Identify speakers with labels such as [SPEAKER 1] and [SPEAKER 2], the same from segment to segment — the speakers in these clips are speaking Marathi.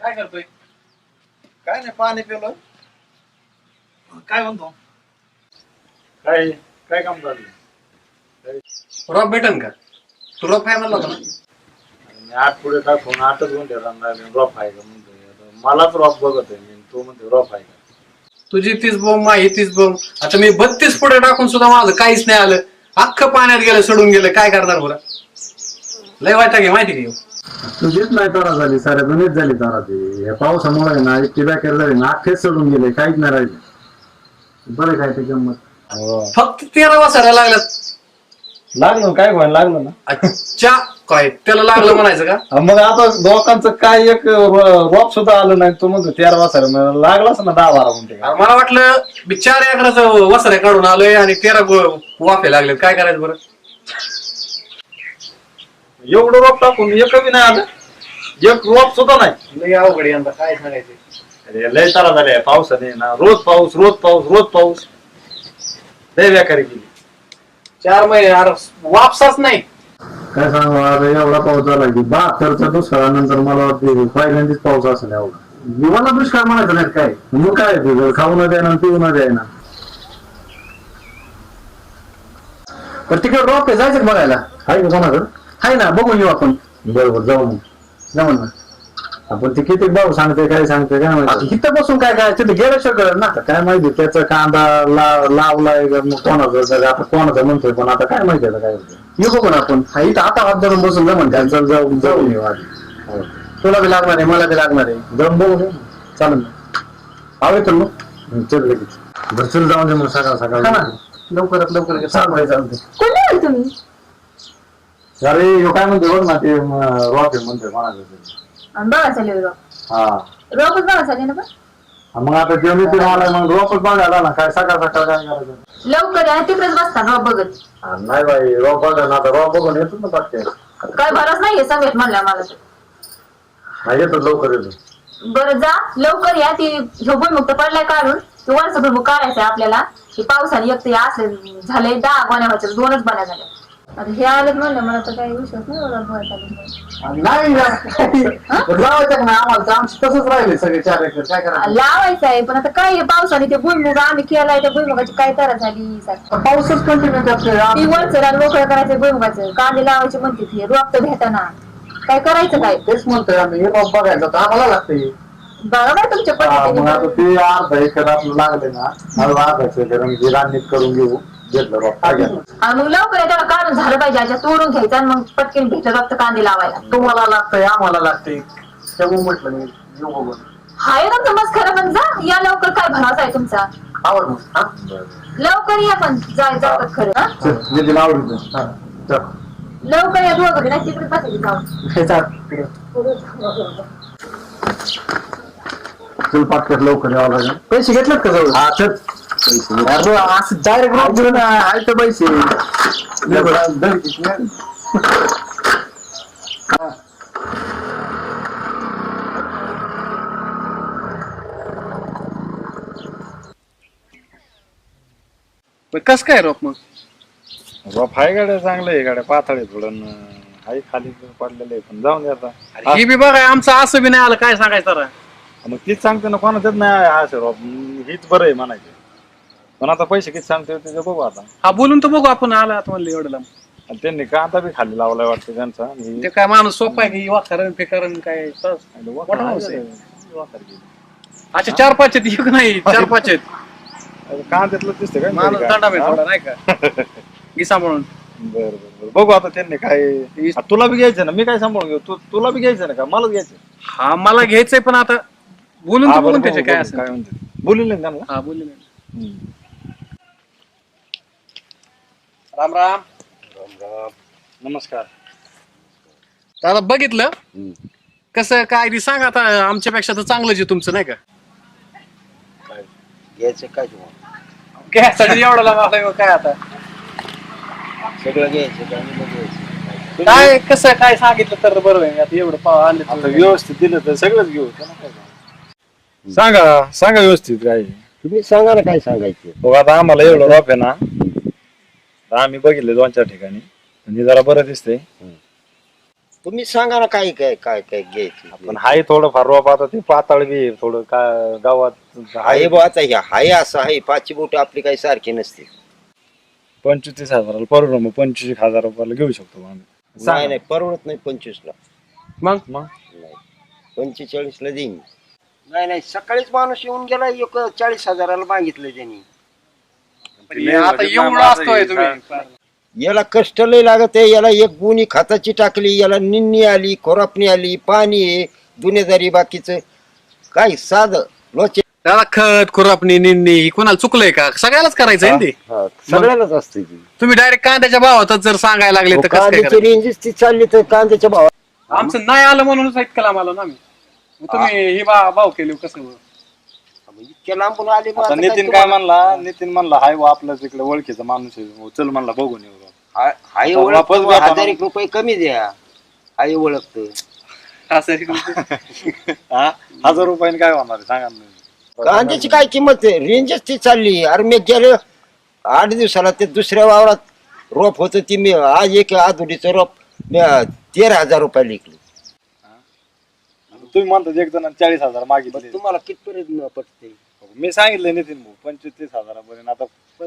[SPEAKER 1] काय करतोय?
[SPEAKER 2] काय नाही पाणी पिलं.
[SPEAKER 1] काय म्हणतो?
[SPEAKER 3] काय काय काम चालू?
[SPEAKER 1] रॉक भेटन का? तू रॉक फाय म्हणला होता ना?
[SPEAKER 3] आठ पुढे टाकून 8च गुंठे रॉप आहे का म्हणतोय. मलाच रॉप बघत आहे मी, तो म्हणतो रॉप आहे का?
[SPEAKER 1] तुझी 30 बोंब माझी 30 बोंब. आता मी 32 पुढे टाकून सुद्धा माझं काहीच नाही आलं. अख्खं पाण्यात गेलं, सडून गेलं. काय करणार बरं? लय वाईट आहे माहिती का?
[SPEAKER 4] तुझीच नाही तारा झाली, साऱ्या दुनियेत झाली तारा ती. या पावसामुळे ना इतकी बेकार झाली ना, अख्खेच सोडून गेले, काहीच नाही राहिले. बरं काय ते गंमत.
[SPEAKER 1] फक्त 13 वासायला लागल्यात.
[SPEAKER 3] लागलं काय व्हायला लागलं ना.
[SPEAKER 1] अच्छा काय त्याला लागलं म्हणायचं का?
[SPEAKER 3] मग आता लोकांचं काय एक रॉप सुद्धा आलं नाही. तो म्हणतो 13 वाजता लागलाच ना 10-12 गुंठे.
[SPEAKER 1] मला वाटलं मी 4 एकराचं वसऱ्या काढून आलोय आणि 13 वाफे लागले. काय करायचं बरं?
[SPEAKER 3] एवढं रॉप टाकून एक बी नाही आलं. एक रॉप सुद्धा नाही.
[SPEAKER 1] लय अवघड यंदा काय सांगायचं.
[SPEAKER 3] अरे लय तारा झाले पावसाने ना. रोज पाऊस रोज पाऊस रोज पाऊस. लय बेकारी गेली.
[SPEAKER 1] 4 महिने अरे वापसाच नाही.
[SPEAKER 4] काय सांगू आता, एवढा पाऊस झाला की 72च्या दुष्काळानंतर मला वाटतं पहिल्यांदाच पाऊस असेल एवढा. जीवाला दुष्काळ म्हणायचं नाही काय, मग काय ते खाऊ न द्यायना पिऊ न द्यायना.
[SPEAKER 2] पण तिकडे रॉक आहे, जायचं का बघायला?
[SPEAKER 4] आहे का कोणाकडं?
[SPEAKER 2] आहे ना, बघून येऊ आपण.
[SPEAKER 4] बरोबर जाऊ मग.
[SPEAKER 2] जाऊन ना.
[SPEAKER 4] आपण ते किती भाऊ सांगते काय सांगते काय
[SPEAKER 2] आता
[SPEAKER 4] माहिती.
[SPEAKER 2] इथं बसून काय काय तिथे गेल्याशिवाय कळलं ना.
[SPEAKER 4] आता काय माहिती त्याचा कांदा लावलाय का मग कोणाचं, आता कोणाचं म्हणतोय पण आता काय माहिती आता काय होतं.
[SPEAKER 2] येऊ बघू ना आपण. हा इथं आता हात धरून बसून जमन का?
[SPEAKER 4] त्यांचं जाऊन जाऊन येऊ आधी. हो.
[SPEAKER 2] तुला बी लागणार आहे, मला बी लागणार आहे.
[SPEAKER 4] जाऊन बघू दे.
[SPEAKER 2] चालेल ना. आवे तर मग
[SPEAKER 4] चल लगेच घरचं जाऊन दे मग सकाळ
[SPEAKER 2] हा ना.
[SPEAKER 4] सकाळ.
[SPEAKER 2] लवकरात लवकर चालू चालते.
[SPEAKER 5] कोणी आहे तुम्ही?
[SPEAKER 4] अरे ह्यो काय म्हणते बघ ना ते रॉक आहे म्हणतोय कोणाचं.
[SPEAKER 5] बघा चालू रोप.
[SPEAKER 4] हा
[SPEAKER 5] रोपच बघा चालू ना. पण
[SPEAKER 4] मग आता जेवणी तिने आलाय मग रोपच बघायला ना. काय सकाळ सकाळ काय करायचं.
[SPEAKER 5] लवकर या, तिकडेच बसता रोप बघत.
[SPEAKER 4] नाही बाई रॉप बघा ना, आता रॉप बघून येतो ना पटके.
[SPEAKER 5] काय भरच नाहीये सगळ्यात म्हणल्या मला तर.
[SPEAKER 4] हा येतो लवकर येतो.
[SPEAKER 5] बरं जा लवकर या. ती ह्यो भुईमुक्त पडलाय काढून. ते वरचा भुईमुग काढायचंय आपल्याला. हे पावसाने एक तर असं झालंय 10 गोण्या व्हायच्या, 2च बन्या झाल्या. आता हे आलेत म्हणलं, मला तर काही विश्वास नाही एवढा भुईमुगाचा.
[SPEAKER 2] नाही लावायचं ना आम्हाला. आमची तसंच राहिले सगळे 4 एकर. काय करायचं?
[SPEAKER 5] लावायचं आहे पण आता काय हे पावसाने ते भुईमुग आम्ही केलाय, त्या भुईमुगाची काय तरा झाली.
[SPEAKER 2] पाऊसच कंटिन्यू त्यात.
[SPEAKER 5] ती वरचं मोकळं करायचं भुईमुगाचं. कांदे लावायचे म्हणते ती रोप तर घेताना. काय करायचं काय?
[SPEAKER 2] तेच म्हणतोय आम्ही. हे रॉक बघायचं तर आम्हाला लागतंय.
[SPEAKER 5] बघा बाय तुमच्या
[SPEAKER 4] मग आता
[SPEAKER 5] पद्धतीने.
[SPEAKER 4] ते अर्धा एकर आपलं लागले ना. मला अर्धा एकर म्हणजे राननीट करून घेऊ. घेतलं रॉक काय घ्या.
[SPEAKER 5] आणि मग लवकर आहे त्याला काढून झालं पाहिजे. आता तोडून घ्यायचं आणि मग पटकन भेटलं रक्त कांदे लावायला.
[SPEAKER 2] तुम्हाला लागतंय आम्हाला लागतंय. त्यामुळे म्हटलं मी येऊ बघून.
[SPEAKER 5] हाय तुमचं मस्त खरं पण जा या लवकर. काय भरोसा आहे तुमचा?
[SPEAKER 2] आवड मग. हा
[SPEAKER 5] लवकर या पण जातात खरं. हा
[SPEAKER 4] म्हणजे आवडीचं.
[SPEAKER 2] हा चल.
[SPEAKER 5] लवकर या दोघं नाही तिकडे बसायची जाऊन.
[SPEAKER 2] हे चाल तिकडे.
[SPEAKER 4] चल पाटकर लवकर यावं लागेल.
[SPEAKER 2] पैसे घेतलेत का जवळ?
[SPEAKER 4] हा चल.
[SPEAKER 2] अरे असं डायरेक्ट रोप देऊ ना. आहे तर पैसे.
[SPEAKER 1] कस काय रॉक मग?
[SPEAKER 3] रॉप आहे गाड्या चांगलं आहे. गाड्या पातळ आहे थोडं आहे खाली पडलेलं आहे पण जाऊन आता.
[SPEAKER 1] ही बी बघा आमचं असं बी नाही आलं. काय सांगायचं जरा.
[SPEAKER 3] मग तीच सांगते ना कोणाच्याच नाही असं रॉप. हीच बरं आहे म्हणायचं. पण आता पैसे किती सांगते ते बघू आता.
[SPEAKER 1] हा बोलून तर बघू आपण. आला आता म्हणलं एवढं लांब.
[SPEAKER 3] आणि त्यांनी कांदा बी खाली लावलाय वाटतं त्यांचा.
[SPEAKER 1] ते काय माणूस सोपा आहे की वाखरण फेकरण काय सहज. मोठा माणूस आहे. अच्छा 4-5 आहेत. एक नाही 4-5 आहेत.
[SPEAKER 3] कांद्यातलं दिसतं काय
[SPEAKER 1] माणूस दंडा मी थोडा नाही का. घे सांभाळून.
[SPEAKER 3] बरं बरं बघू आता त्यांनी काय. तुला बी घ्यायचं ना. मी काय सांभाळून घेऊ. तुला बी घ्यायचं ना का मलाच घ्यायचं.
[SPEAKER 1] हा मला घ्यायचंय पण आता बोलून तर बघून त्याचे काय असेल.
[SPEAKER 3] काय म्हणते बोलले ना त्यांना.
[SPEAKER 1] हा बोलले नाही. राम राम.
[SPEAKER 3] नमस्कार.
[SPEAKER 1] दादा बघितलं कसं काय ती सांग आता. आमच्यापेक्षा तर चांगलंच आहे तुमचं नाही का.
[SPEAKER 2] काय घ्यायचं काय तुम्हाला?
[SPEAKER 1] घ्यायसाठी एवढं लांब आलाय काय आता.
[SPEAKER 2] सगळं घ्यायचं काय नाही घ्यायचं.
[SPEAKER 1] काय कसं काय सांगितलं तर बरोबर आहे. आता एवढं आले
[SPEAKER 3] आता व्यवस्थित दिलं तर सगळंच घेऊ. सांगा सांगा व्यवस्थित काय.
[SPEAKER 2] तुम्ही सांगा ना काय सांगायचं.
[SPEAKER 3] बघ आता आम्हाला एवढं रॉप आहे ना. आम्ही बघितले 2-4 ठिकाणी. म्हणजे जरा बरं दिसतंय.
[SPEAKER 6] तुम्ही सांगा ना काय काय काय काय घ्यायचं.
[SPEAKER 3] पण हाय थोडंफार रोप आता ते पाताळ बी आहे, थोडं का गावात
[SPEAKER 6] हाय बा आता हे हाय असं आहे, पाचशे बोट आपली काही सारखी नसते.
[SPEAKER 3] 25,000 परवड, मग 25,000 रुपयाला घेऊ शकतो आम्ही.
[SPEAKER 6] नाही नाही परवडत नाही 25 ला.
[SPEAKER 1] मग
[SPEAKER 6] नाही 45 ला देईन. नाही नाही सकाळीच माणूस येऊन गेला, 40,000 मागितलं त्यांनी.
[SPEAKER 1] आता एवढं असतोय तुम्ही
[SPEAKER 6] याला कष्ट लय लागत आहे. याला एक गुणी खताची टाकली, याला निन्नी आली, खोरापणी आली, पाणी आहे, दुनियादारी बाकीचं काय साधं लोचे.
[SPEAKER 1] त्याला खत खुरापणी निंदी ही कोणाला चुकलंय का? सगळ्यालाच करायचंय ना ते.
[SPEAKER 6] सगळ्यालाच असते ती.
[SPEAKER 1] तुम्ही डायरेक्ट कांद्याच्या भावातच जर सांगायला लागले तर कसं काय
[SPEAKER 6] कांद्याची
[SPEAKER 1] करायचं?
[SPEAKER 6] रेंजच ती चालली तर कांद्याच्या भावात.
[SPEAKER 1] आमचं नाही आलं म्हणूनच इतकं लांब आलो ना आम्ही. मग तुम्ही ही भाव केली कसं?
[SPEAKER 6] इतक्या लांबून आले मग
[SPEAKER 3] आता
[SPEAKER 6] आता
[SPEAKER 3] नितीन काय म्हणला, नितीन म्हणला हाय वा आपलं तिकडे ओळखीचा माणूस आहे, हो, चल म्हणला बघून येऊ.
[SPEAKER 6] हाय
[SPEAKER 3] आता
[SPEAKER 6] ओळख
[SPEAKER 3] वापस भेटा
[SPEAKER 6] 1000 रुपये कमी द्या. हाय ओळखत
[SPEAKER 1] असं
[SPEAKER 3] 1,000 रुपयाने काय होणार आहे सांगा ना.
[SPEAKER 6] कांद्याची काय किंमत आहे? रेंजच ती चालली. अरे मी गेले 8 दिवसाला ते दुसऱ्या वावरात रोप होत ती, मी आज एक आधुडीचं रोप मी 13,000 रुपये लिखली.
[SPEAKER 3] तुम्ही म्हणता एक जण 40,000 मागितले,
[SPEAKER 6] तुम्हाला कितपर्यंत पटते?
[SPEAKER 3] मी सांगितलं नितीन भाऊ 25,000 पर्यंत. आता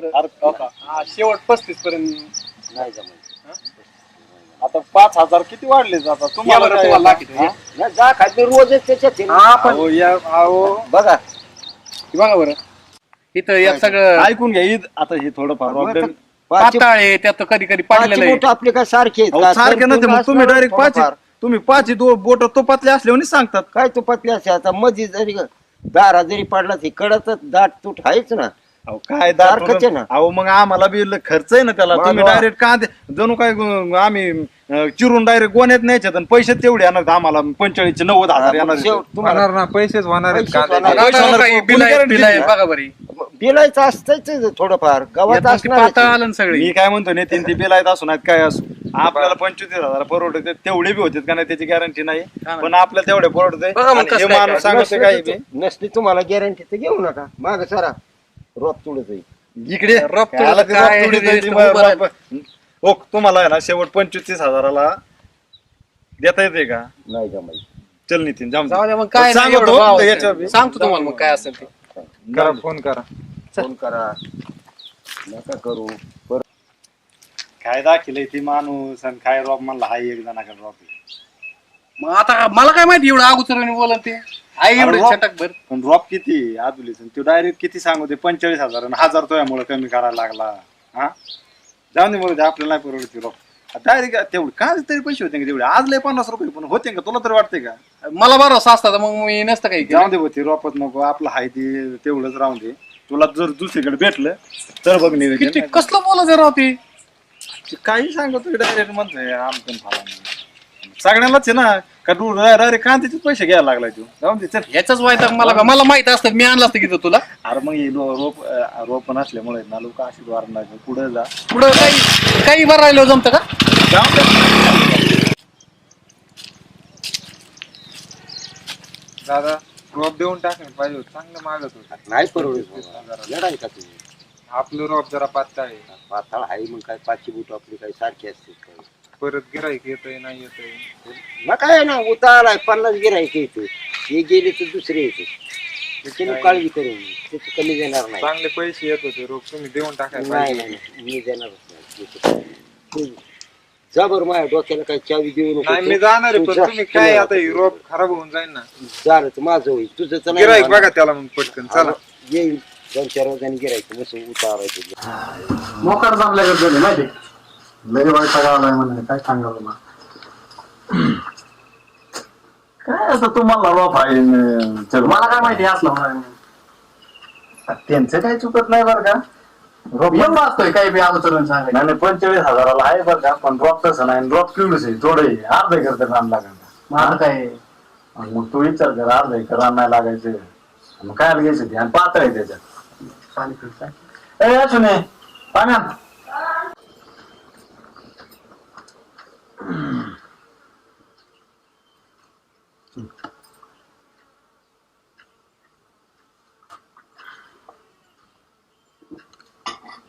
[SPEAKER 1] शेवट 35 पर्यंत
[SPEAKER 6] नाही जमत.
[SPEAKER 3] आता 5,000 किती वाढले आता तुम्हाला काय?
[SPEAKER 1] तुम्हाला लागेल.
[SPEAKER 3] हा?
[SPEAKER 6] नाही, जा खाली रोजच त्याच्यात आहे ना.
[SPEAKER 3] अहो, अहो,
[SPEAKER 6] बघा
[SPEAKER 1] बघा बरं इथं यात सगळं
[SPEAKER 3] ऐकून घ्या. आता हे थोडंफार problem.
[SPEAKER 6] पाचशे
[SPEAKER 1] पाताळ आहे, त्यात कधी कधी
[SPEAKER 6] पाचशे
[SPEAKER 1] पाडलेलं आहे.
[SPEAKER 6] बोटं आपले काय सारखे आहेत
[SPEAKER 3] अहो,
[SPEAKER 6] का?
[SPEAKER 3] सारखे
[SPEAKER 6] तर
[SPEAKER 3] नसते मग
[SPEAKER 6] असं
[SPEAKER 3] तुम्ही डायरेक्ट
[SPEAKER 6] थोडंफार.
[SPEAKER 3] तुम्ही 5 बोट तो पातले असल्यावर सांगतात.
[SPEAKER 6] काय तू पतले असे आता मध्ये जरी दारा जरी पडला ती कडत दाट तूट आहेच ना.
[SPEAKER 3] अहो, काय
[SPEAKER 6] सारखंच आहे ना.
[SPEAKER 3] अहो मग आम्हाला बी खर्च आहे ना त्याला.
[SPEAKER 6] वा,
[SPEAKER 3] तुम्ही
[SPEAKER 6] वा.
[SPEAKER 3] डायरेक्ट कांदे जणू काय आम्ही चिरून डायरेक्ट गोण्यात न्यायच्यात आणि पैसे तेवढे येणार आम्हाला 45 90,000 येणार.
[SPEAKER 6] शेवट तुम्हाला
[SPEAKER 7] ना पैसेच होणार आहेत
[SPEAKER 6] पैसेच
[SPEAKER 7] कांद्याचे.
[SPEAKER 6] होणार.
[SPEAKER 1] आता
[SPEAKER 3] होणार.
[SPEAKER 1] काही
[SPEAKER 3] कोणी
[SPEAKER 1] बिल आहे,
[SPEAKER 3] guarantee
[SPEAKER 1] बिल आहे,
[SPEAKER 3] दिली?
[SPEAKER 1] बघा बरी
[SPEAKER 6] बिलायचं असतंच थोडंफार गावात
[SPEAKER 1] यात मग ते पाताळ
[SPEAKER 6] असणार.
[SPEAKER 1] आलं ना सगळी.
[SPEAKER 3] मी काय म्हणतो नितीन, ती बिल आहेत असू नाहीत काय असू, आपल्याला 25,000 परवडते तेवढे बी होते का नाही त्याची गॅरंटी नाही,
[SPEAKER 1] ना.
[SPEAKER 3] पण आपल्याला तेवढे परवडते.
[SPEAKER 1] बघा मग
[SPEAKER 3] आणि
[SPEAKER 1] कसं
[SPEAKER 3] हे
[SPEAKER 1] काय
[SPEAKER 3] माणूस
[SPEAKER 1] काय.
[SPEAKER 3] सांगतो काही बी
[SPEAKER 6] नसली तुम्हाला गॅरंटी तर घेऊ नका. माग सारा रोप तुडत जाईल.
[SPEAKER 3] इकडे
[SPEAKER 1] रफ तुडत
[SPEAKER 3] त्याला ते रफ
[SPEAKER 1] काय,
[SPEAKER 3] तुडत
[SPEAKER 1] हे
[SPEAKER 3] जायची
[SPEAKER 1] नुसतं उभं
[SPEAKER 3] मग- हो तुम्हाला आहे ना शेवट 25,000 देता येते का?
[SPEAKER 6] नाही जमायचं.
[SPEAKER 3] चल नितीन जाऊन
[SPEAKER 1] जाऊ द्या मग काय नाही,
[SPEAKER 3] सांगतो
[SPEAKER 1] एवढं भाव आहे.
[SPEAKER 3] याच्यावर बी.
[SPEAKER 1] सांगतो तुम्हाला मग काय असेल ते.
[SPEAKER 7] करा फोन करा.
[SPEAKER 6] फोन करा नका करू.
[SPEAKER 3] काय दाखिले ती माणूस आणि काय रॉप म्हणला हाय एक जणाकडे रॉप आहे.
[SPEAKER 1] मग आता मला काय माहिती एवढं अगोदर बोलत ते आहे एवढं
[SPEAKER 3] रॉप-
[SPEAKER 1] छटक भर.
[SPEAKER 3] पण रॉप किती आदुलीच तो डायरेक्ट किती सांगते 45,000 आणि 1,000 तो यामुळे कमी करायला लागला. हा जाऊन दे म्हणून आपल्याला नाही परवडते रॉप डायरेक्ट तेवढे काय तरी पैसे होते का तेवढे? आज लय 50 रुपये पण होते का तुला तरी वाटते का?
[SPEAKER 1] मला भरोसा असता तर मग मी नसतं काही केलं.
[SPEAKER 3] जाऊन दे होती रॉपच नको आपलं हाय ते तेवढंच राहून दे. तुला जर दुसरीकडे भेटलं तर बघ
[SPEAKER 1] किती
[SPEAKER 3] निवेदन.
[SPEAKER 1] कसलं बोलायचं राव ते.
[SPEAKER 3] काही सांगतो डायरेक्ट म्हणतोय आमचं फाला सगळ्यांनाच आहे ना का तू डायरेक्ट कांद्याचे पैसे घ्यायला लागलाय तू. जाऊन दे चल.
[SPEAKER 1] ह्याचाच वायता मला माहित असतं मी आणलं असतं की तुला
[SPEAKER 3] अरे मग हे रोप नसल्यामुळे ना लोक अशी वारणार पुढे जा.
[SPEAKER 1] पुढं काही बरं राहिलं जमतं का?
[SPEAKER 3] जाऊन दे.
[SPEAKER 7] दादा रोप देऊन टाकलं पाहिजे होतं. चांगलं मागत होतं.
[SPEAKER 6] नाही परवडत लढाई का तुम्ही?
[SPEAKER 7] आपलं रोप जरा पातळ आहे.
[SPEAKER 6] पाताळ आहे मग काय 500 बोट आपली काही सारखी असते.
[SPEAKER 7] परत गिराईक येतंय नाही येतंय.
[SPEAKER 6] ना काय ना उताराय 50 गिरायक येते. हे गेले तर दुसरे येते. त्याची काळजी करून त्याची कमी देणार नाही.
[SPEAKER 7] चांगले पैसे येत होते रोप तुम्ही देऊन टाकायला
[SPEAKER 6] नाही
[SPEAKER 7] पाहिजे.
[SPEAKER 6] नाही मी देणारच नाही. जा बरं माझ्या डोक्याला काही चावी देऊ नको.
[SPEAKER 7] नाही मी जाणार आहे पण तुम्ही काय आता ही रोप खराब होऊन जाईल ना.
[SPEAKER 6] झालं तर माझं होईल तुझं तर
[SPEAKER 7] गिराईक
[SPEAKER 6] नाही.
[SPEAKER 7] बघा त्याला मग पटकन चला.
[SPEAKER 6] येईल 2-4 रोजांनी गिरायचं मस्त उतारायचं.
[SPEAKER 2] मोकार जमल्याकडे झाले माहिती लय वाईट आलाय म्हणे काय सांगावं ना.
[SPEAKER 4] काय आता तुम्हाला रॉप आहे चल
[SPEAKER 2] मला काय माहिती असलं म्हणाले.
[SPEAKER 4] त्यांचं काही चुकत नाही बरं का. रॉप
[SPEAKER 2] एवढं असतोय काही बी अगोदर सांगायचं.
[SPEAKER 4] नाही 45,000 आहे बरं का, पण ड्रॉप तसं नाही. ड्रॉप किलोच आहे थोडं आहे. अर्धा एकर तर रान लागेल.
[SPEAKER 2] मग आता काय
[SPEAKER 4] मग तू विचार कर अर्धा एकर रान नाही लागायचं मग काय घ्यायचं ते आणि पातळ आहे त्याच्यात.
[SPEAKER 2] पाणी पिऊन
[SPEAKER 4] ए असू नये पाण्यात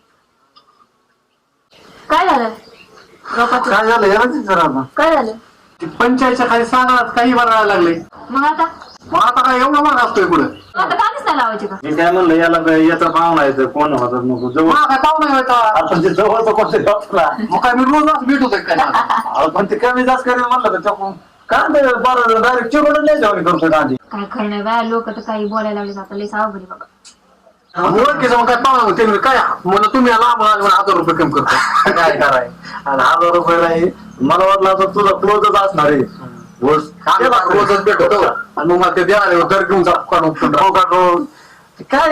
[SPEAKER 5] काय झालं रोपाचं?
[SPEAKER 4] काय झालं याला जरा आता
[SPEAKER 5] काय झालं?
[SPEAKER 1] ती पंचायतच्या खाली सांगणार काही बनायला लागले.
[SPEAKER 5] मग आता
[SPEAKER 1] काय एवढा माग असतोय पुढे
[SPEAKER 5] आता काहीच नाही लावायचे का?
[SPEAKER 4] मी काय म्हणलं याला काय याचा पाहुणा येतं कोण होता नको जवळ
[SPEAKER 1] काय पाहुणा व्हायचा.
[SPEAKER 4] आता ते जवळचं कोणतरी असला
[SPEAKER 1] मग काय मी रोज असं भेट होतोय काय माझं?
[SPEAKER 4] अहो, पण ते कमी जास्त करेल म्हणलं तर चकून काय ते बरं डायरेक्ट चिरून नाही जेवण करतोय कांदी.
[SPEAKER 5] काय खरं नाही बाया, लोक तर काही बोलायला लागले आता लई सावघडी बाबा.
[SPEAKER 1] ओळखीचं मग काय पाहुणा होते काय म्हणलं तुम्ही लांब 1000 रुपये कमी करतो.
[SPEAKER 4] काय कराय आणि 1000 रुपये नाही मला वाटलं आता तुझा क्लोजच असणार आहे
[SPEAKER 1] रोजच भेट होतो आणि मग मला ते देणार दर घेऊन
[SPEAKER 4] काय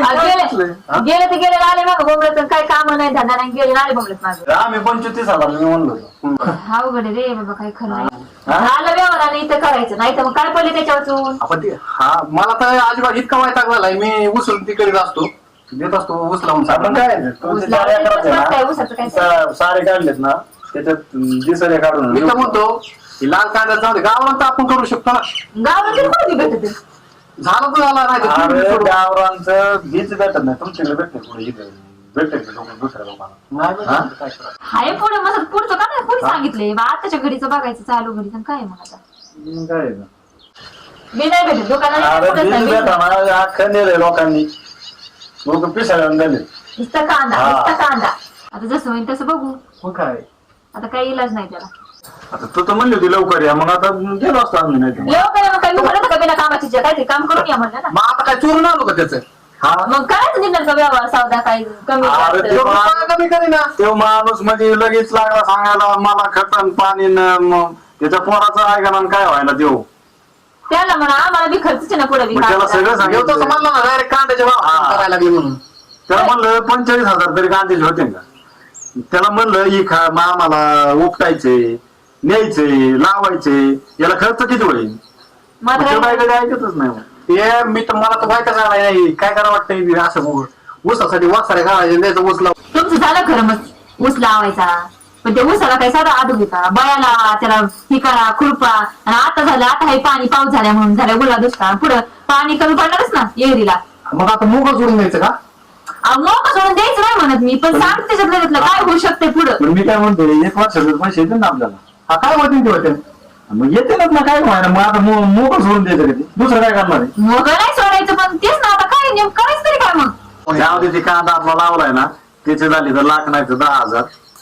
[SPEAKER 5] गेले ते गेले आले मग बोंबलत, काय काम नाही धंदा नाही, गेले आले बोंबलत माझं.
[SPEAKER 4] आम्ही 25,000 मी म्हणलो
[SPEAKER 5] अवघड आहे रे बाबा, काय खरं नाही. झालं व्यवहाराने इथं करायचं नाही तर मग काय पडले त्याच्यावरून.
[SPEAKER 1] आपण ते मला तर अजिबात इतका वैताग झालाय. मी उचलून ती करीत असतो, देत असतो ऊस लावून.
[SPEAKER 4] आपण काय तुमचे 4 एकरात आहे ना,
[SPEAKER 5] ऊसाचं काय
[SPEAKER 4] सारे काढलेत ना त्याच्यात दिसरे काढून
[SPEAKER 1] मी तर म्हणतो की लाल कांदा जाऊ दे, गावाला तर आपण करू शकतो ना.
[SPEAKER 5] गावाला तरी कोणी भेटत
[SPEAKER 1] झालं तर झाला नाही तर तुम्ही
[SPEAKER 4] अरे
[SPEAKER 1] सोडून.
[SPEAKER 4] गावरांचं बीज भेटत नाही तुमच्याकडे भेटते पुढे इथे भेटते दुसऱ्या लोकांना.
[SPEAKER 1] नाही भेटत तर काय करायचं?
[SPEAKER 5] हाय पुढे मग पुढचं का नाही कोणी सांगितलंय बा, आताच्या घडीचं बघायचं चालू घडीचं काय मग आता.
[SPEAKER 4] काय आहे ना?
[SPEAKER 5] मी नाही भेटत दुकानात
[SPEAKER 4] अरे
[SPEAKER 5] कुठंच
[SPEAKER 4] बीज
[SPEAKER 5] नाही भेटत.
[SPEAKER 4] भेटा अख्खं नेलंय लोकांनी लोक पिसाळ्या झाले.
[SPEAKER 5] नुसता कांदा
[SPEAKER 4] हा.
[SPEAKER 5] नुसता कांदा. आता जसं होईल तसं बघू,
[SPEAKER 1] मग काय
[SPEAKER 5] आता काही इलाज नाही त्याला.
[SPEAKER 4] आता तू तर म्हणली होती लवकर या मग आता गेलो असतो आम्ही नाही तर.
[SPEAKER 5] लवकर मग काय मी म्हणत का बिना कामाची जे काहीतरी काम करून या म्हणलं ना.
[SPEAKER 1] मग आता काय चोरून आलो का त्याचं?
[SPEAKER 4] हा
[SPEAKER 5] मग करायचं निघण्याचा व्यवहार सौदा काही कमी
[SPEAKER 4] अरे
[SPEAKER 5] जास्त.
[SPEAKER 4] ते
[SPEAKER 1] रुपया कमी करीना.
[SPEAKER 4] तो माणूस म्हणजे लगेच लागला सांगायला मला खतन पाणी न मग त्याच्या पोराचं ऐका ना काय व्हायला देऊ
[SPEAKER 5] त्याला म्हणा आम्हाला बी खर्च ना पुढे बी
[SPEAKER 4] मग त्याला
[SPEAKER 5] कामाचा.
[SPEAKER 4] सगळं
[SPEAKER 1] येऊ तसं
[SPEAKER 4] सांगितलं
[SPEAKER 1] म्हणलं ना डायरेक्ट कांद्याचे भाव
[SPEAKER 4] हा.
[SPEAKER 1] करायला लागले म्हणून.
[SPEAKER 4] त्याला म्हणलं 45,000 तरी कांद्याचे होते का त्याला म्हणलं ही खा आम्हाला उपटायचे न्यायचे लावायचे याला खर्च किती होईल
[SPEAKER 5] मग आता
[SPEAKER 4] मग तो
[SPEAKER 5] काय-
[SPEAKER 4] काय ऐकतच नाही मग.
[SPEAKER 1] ते मी तर मला तर माहितच नाही काय करावं वाटतंय असं ऊसासाठी वासाऱ्या घालायचे द्यायचं ऊस लावून.
[SPEAKER 5] तुमचं झालं खरं मग ऊस लावायचा, पण त्या ऊसाला काही साधा आदू घेता बयाला त्याला ही करा खुरपा. आणि आता झालं आता हे पाणी पाऊस झाल्या म्हणून झाल्या गुला दुष्काळ, पुढं पाणी कमी पडणारच ना येरीला.
[SPEAKER 1] मग आता मोकळं सोडून द्यायचं का?
[SPEAKER 5] मग सोडून द्यायचं नाही म्हणत मी, पण सांगते त्याच्यातलं काय होऊ शकते पुढं.
[SPEAKER 4] पण मी काय म्हणतो 1 वर्षाचे पैसे येतील ना आपल्याला
[SPEAKER 1] हा काय होते ते होते
[SPEAKER 4] मग येतीलच ना काय व्हायला मग आता मोकळं सोडून द्यायचं कधी दुसरं काय करणार आहे
[SPEAKER 5] मग नाही सोडायचं, पण तेच ना आता काय नेम करायचं तरी काय मग.
[SPEAKER 4] त्यामध्ये ते कांदा आपला लावलाय ना त्याचे झाले तर लाख नाही तर 10,000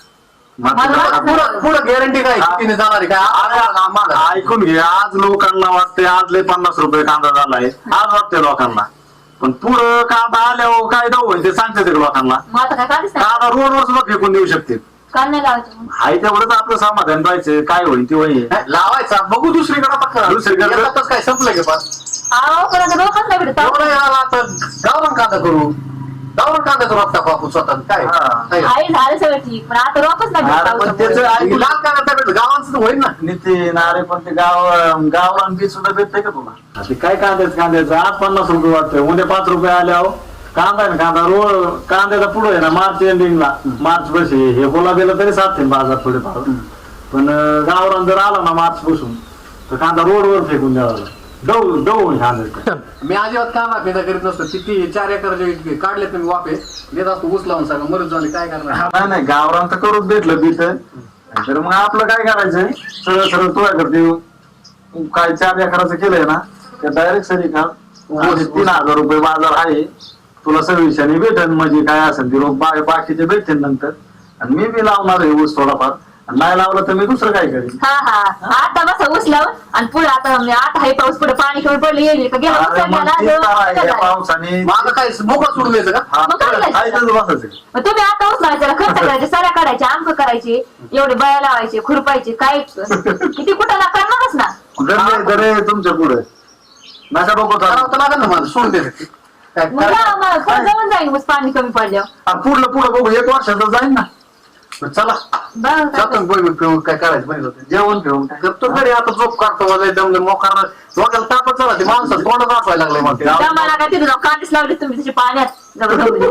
[SPEAKER 1] पुढं गॅरंटी काय कितीने जाणार आहे काय?
[SPEAKER 4] ऐकून घे आज लोकांना वाटते आज लय 50 रुपये कांदा झालाय आज वाटते लोकांना पण पुढं कांदा आल्यावर काय दाव होईल ते सांगते ते लोकांना
[SPEAKER 5] मग आता काय काढीच नाही
[SPEAKER 4] कांदा रोडवर सुद्धा फेकून देऊ शकते
[SPEAKER 5] काल नाही लावायचं मग.
[SPEAKER 4] हाय तेवढंच आपलं समाधान पाहिजे काय होईल ते होईल
[SPEAKER 1] लावायचा बघू दुसरीकडे पक्का.
[SPEAKER 4] दुसरीकडे.
[SPEAKER 1] येतातच काय संपलं की पास.
[SPEAKER 5] अहो पण आता डोकंच नाही भेटत.
[SPEAKER 1] एवढं आला तर गावरान कांदा करू. गावरान कांद्याचा रोप टाकू आपण स्वतः काय
[SPEAKER 4] हा.
[SPEAKER 1] काय?
[SPEAKER 5] आई झालं सगळं ठीक, पण आता रोपच नाही भेटत
[SPEAKER 4] अरे पण
[SPEAKER 5] पावसामुळे.
[SPEAKER 4] त्याचं ऐकून
[SPEAKER 1] लाल कांदा भेटत गावांचं होईल ना.
[SPEAKER 4] नितीन अरे पण ते गावरान बीज सुद्धा भेटतंय का तुला ते काय कांद्याचं आज 50 रुपये वाटतंय उद्या 5 रुपये आल्यावर कांदा आहे ना कांदा रोड कांद्याचा पुढे आहे ना मार्च एंडिंगला मार्च पाशी हे गुलाबीला तरी साधते बाजार थोडेफार पण गावरान जर आला ना मार्च पासून तर कांदा रोडवर फेकून द्यावा डवून कांदा
[SPEAKER 1] मी अजिबात कांदा फेदा करीत नसतो. किती 4 एकर काढले तुम्ही वाफे देत असतो ऊस लावून सगळं मरत झाले काय करणार.
[SPEAKER 4] नाही गावरान तर करूच भेटलं बीत तर मग आपलं काय करायचंय सरळ तुझ्या करते काय 4 एकराचं केलंय ना त्या डायरेक्ट सरी का 3,000 रुपये बाजार आहे तुला सविशाने भेटेल म्हणजे काय असेल ती रोग बाकीचे भेटेल नंतर आणि मी बी लावणार आहे ऊस थोडाफार आणि नाही लावलं तर मी दुसरं काय करेन
[SPEAKER 5] हा हा आता बस ऊस लावून आणि पुढे आता हे पाऊस पुढे पाणी कमी पडलं येईल का गेला
[SPEAKER 4] अरे मग
[SPEAKER 5] उचलण्याला
[SPEAKER 4] तेच
[SPEAKER 5] जो-
[SPEAKER 4] तर आहे, या
[SPEAKER 5] उचलला.
[SPEAKER 4] पावसाने
[SPEAKER 1] माझं काय मोकळं सोडून द्यायचं का?
[SPEAKER 4] हा,
[SPEAKER 5] मग काय करायचं?
[SPEAKER 4] ऐकतच बसायचं
[SPEAKER 5] मग तुम्ही आता ऊस लावायचा खर्च करायचे साऱ्या काढायचे अंक करायचे एवढे बया लावायचे खुरपायचे काय किती कुठं ना करणारच ना.
[SPEAKER 4] दरे तुमच्या पुढे नका डोकं
[SPEAKER 1] करावं
[SPEAKER 4] चालू.
[SPEAKER 1] तर लागेल ना माझं सोडून द्यायचं. काय
[SPEAKER 5] मग लावा मग, खर्च जाऊन जाईल ऊस पाणी कमी पडल्यावर.
[SPEAKER 4] आणि पुढलं बघू 1 वर्षाचं जाईल ना
[SPEAKER 1] चला
[SPEAKER 5] बघा काय
[SPEAKER 1] जातो बोल पिऊन काय करायचं बरं होतं.
[SPEAKER 4] जेवण ठेवून
[SPEAKER 1] करतो घरी आता झोप काढतो दमले मोकार डोक्याला तापच झाला ते माणसं तोंड दाखवायला लागले मग ते.
[SPEAKER 5] मला काय तिथे कांदीच लावली तुम्ही त्याच्या पाण्यात जबरदस्ती.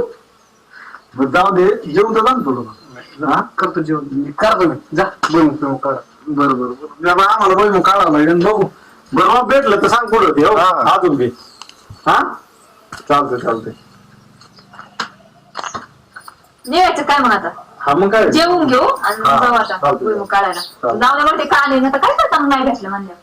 [SPEAKER 4] जाऊ दे जेवण तर जा ना थोडं हा
[SPEAKER 1] करतो जेवण मी करतो मी जा बोल पिऊन काढा.
[SPEAKER 4] बरोबर आम्हाला बघ मग काढावं लागेल बघू बरोबर भेटलं तर सांग कुठं होते हो अजून बी हा चालतंय
[SPEAKER 5] निघायचं काय मग आता
[SPEAKER 4] हा मग काय
[SPEAKER 5] जेवून घेऊ आणि मग
[SPEAKER 4] हा,
[SPEAKER 5] जाऊ आता
[SPEAKER 4] चालतंय.
[SPEAKER 5] भुईमुग काढायला
[SPEAKER 4] चालतंय.
[SPEAKER 5] जाऊ दे मग ते काढले ना तर काय करता मग नाही भेटलं म्हणलं